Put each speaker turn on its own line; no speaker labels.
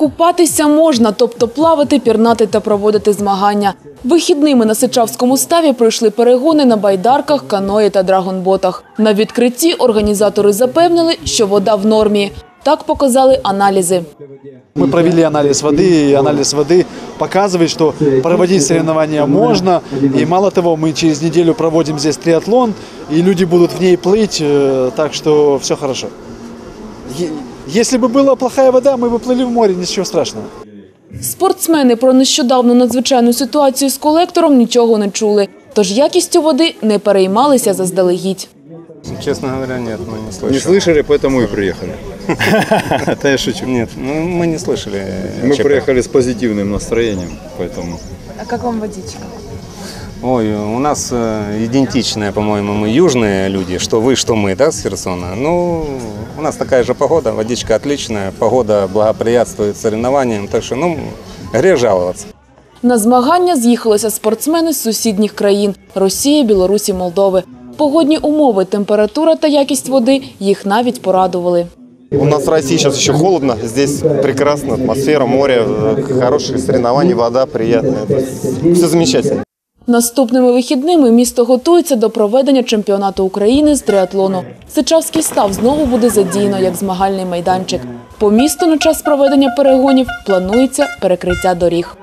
Купатися можна, тобто плавати, пірнати та проводити змагання. Вихідними на Сичавському ставі пройшли перегони на байдарках, каної та драгонботах. На відкритті організатори запевнили, що вода в нормі. Так показали аналізи.
Мы провели анализ воды, и анализ воды показывает, что проводить соревнования можно. И мало того, мы через неделю проводим здесь триатлон, и люди будут в ней плыть, так что все хорошо. Если бы была плохая вода, мы бы плыли в море, ничего страшного.
Спортсмени про нещодавну надзвичайну ситуацію з колектором нічого не чули. Тож якістю води не переймалися заздалегідь.
Честно говоря, нет, мы не слышали.
Не слышали, поэтому и приехали.
Это я шучу. Нет, мы не слышали.
Мы приехали с позитивным настроением, поэтому...
А как вам водичка?
Ой, у нас идентичные, по-моему, мы южные люди, что вы, что мы, да, с Херсона. Ну, у нас такая же погода, водичка отличная, погода благоприятствует соревнованиям, так что, ну, грех жаловаться.
На змагання з'їхалися спортсмени з сусідніх країн – Росії, Білорусі, Молдови. Погодні умови, температура та якість води їх навіть порадували.
У нас в России сейчас еще холодно, здесь прекрасная атмосфера, море, хорошие соревнования, вода приятная. Все замечательно.
Наступними вихідними місто готується до проведення чемпіонату України з триатлону. Сичавський став знову буде задіяно як змагальний майданчик. По місту на час проведення перегонів планується перекриття доріг.